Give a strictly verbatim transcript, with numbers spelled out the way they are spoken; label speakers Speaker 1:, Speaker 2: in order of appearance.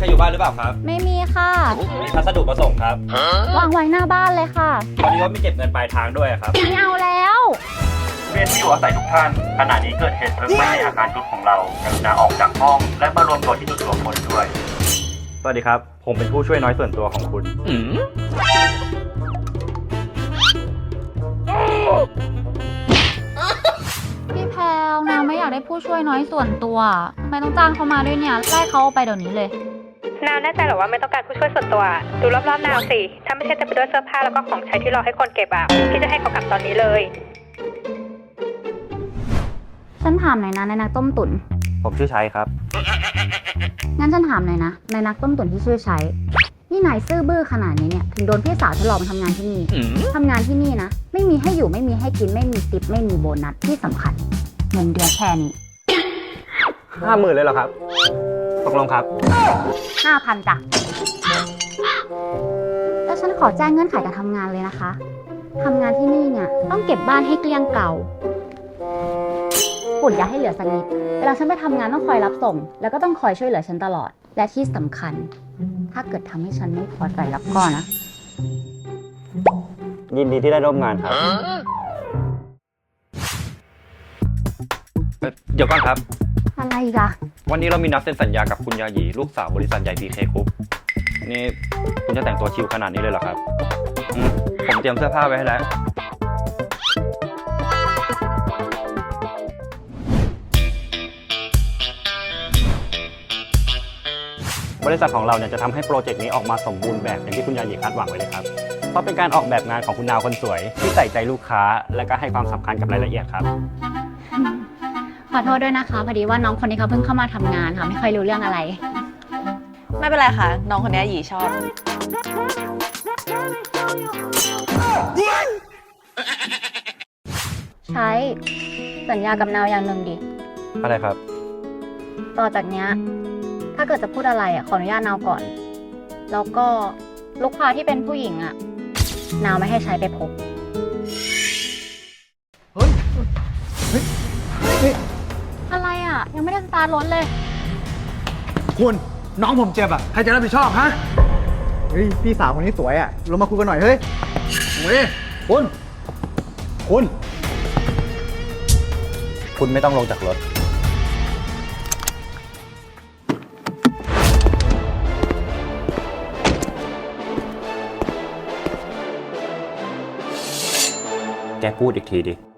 Speaker 1: รอยู่บ้านหรือเปล่าครับ
Speaker 2: ไม่มีค่ะ
Speaker 1: มีพัสดุมาส่งครับ
Speaker 2: วางไว้หน้าบ้านเลยค่ะ
Speaker 1: ตอนนี้ก็มีเก็บเงินปลายทางด้วยครับ
Speaker 2: ไม่เอาแล้ว
Speaker 1: เรียนที่อยู่อาศัยทุกท่านขณะนี้เกิดเหตุเพลิงไหม้ในอาคารชุดของเรากรุณาออกจากห้องและมารวมตัวที่จุดรวมพลด้วยสวัสดีครับผมเป็นผู้ช่วยน้อยส่วนตัวของคุณ
Speaker 2: พี่แพลวนางไม่อยากได้ผู้ช่วยน้อยส่วนตัวทำไมต้องจ้างเขามาด้วยเนี่ยไล่เขาไปเดี๋ยวนี้เลย
Speaker 3: นาวแน่ใจหรอว่าไม่ต้องการผู้ช่วยส่วนตัวดูรอบๆนาวสิถ้าไม่ใช่จะไปด้วยเสื้อผ้าแล้วก็ของใช้ที่รอให้คนเก็บอ่ะพี่จะให้เขากลับตอนนี้เลย
Speaker 2: ฉันถามหน่อยนะในนักต้มตุ๋น
Speaker 1: ผมชื่อชัยครับ
Speaker 2: งั้นฉันถามหน่อยนะในนักต้มตุ๋นที่ชื่อชัยนี่นายซื่อบื้อขนาดนี้เนี่ยถึงโดนพี่สาวฉันหลอกมาทำงานที่นี่ทำงานที่นี่นะไม่มีให้อยู่ไม่มีให้กินไม่มีติปไม่มีโบนัสที่สำคัญเงินเดือนแค่นี้
Speaker 1: ห้าหมื่นเลยเหรอครับตกลงครับ
Speaker 2: ห้าพันจ้ะแล้วฉันขอแจ้งเงื่อนไขการทำงานเลยนะคะทำงานที่นี่เนี่ยต้องเก็บบ้านให้เกลี้ยงเก่าฝุ่นอย่าให้เหลือสักนิดเวลาฉันไปทำงานต้องคอยรับส่งแล้วก็ต้องคอยช่วยเหลือฉันตลอดและที่สำคัญถ้าเกิดทำให้ฉันไม่พอใจแล้วก็นะ
Speaker 1: ยินดีที่ได้ร่วมงานครับเดี๋ยวก่อนครับ
Speaker 2: อะไรอีกอะ
Speaker 1: วันนี้เรามีนัดเซ็นสัญญากับคุณยาหยีลูกสาวบริษัทใหญ่ พี เค Group นี่คุณจะแต่งตัวชิลขนาดนี้เลยเหรอครับผมเตรียมเสื้อผ้าไว้ให้แล้วบริษัทของเราเนี่ยจะทำให้โปรเจกต์นี้ออกมาสมบูรณ์แบบอย่างที่คุณยาหยีคาดหวังไว้เลยครับเพราะเป็นการออกแบบงานของคุณนาวคนสวยที่ใส่ใจลูกค้าและก็ให้ความสำคัญกับรายละเอียดครับ
Speaker 2: ขอโทษด้วยนะคะพอดีว่าน้องคนนี้เขาเพิ่งเข้ามาทำงานค่ะไม่ค่อยรู้เรื่องอะไร
Speaker 3: ไม่เป็นไรค่ะน้องคนนี้หยีชอบ
Speaker 2: ใช้สัญญากับนาวอย่างหนึ่งดิ
Speaker 1: อะไรครับ
Speaker 2: ต่อจากเนี้ยถ้าเกิดจะพูดอะไรอ่ะขออนุญาตนาวก่อนแล้วก็ลูกค้าที่เป็นผู้หญิงอ่ะนาวไม่ให้ใช้ไปพบ
Speaker 4: เฮ้ยเฮ้ยนี่
Speaker 2: อะไรอ่ะยังไม่ได้สตาร์ทรถเลย
Speaker 4: คุณน้องผมเจ็บอ่ะใครจะรับผิดชอบฮะเฮ้ยพี่สาวคนนี้สวยอ่ะลงมาคุยกันหน่อยเฮ้ยเฮ้ยคุณคุณ
Speaker 1: คุณไม่ต้องลงจากรถแกพูดอีกทีดิ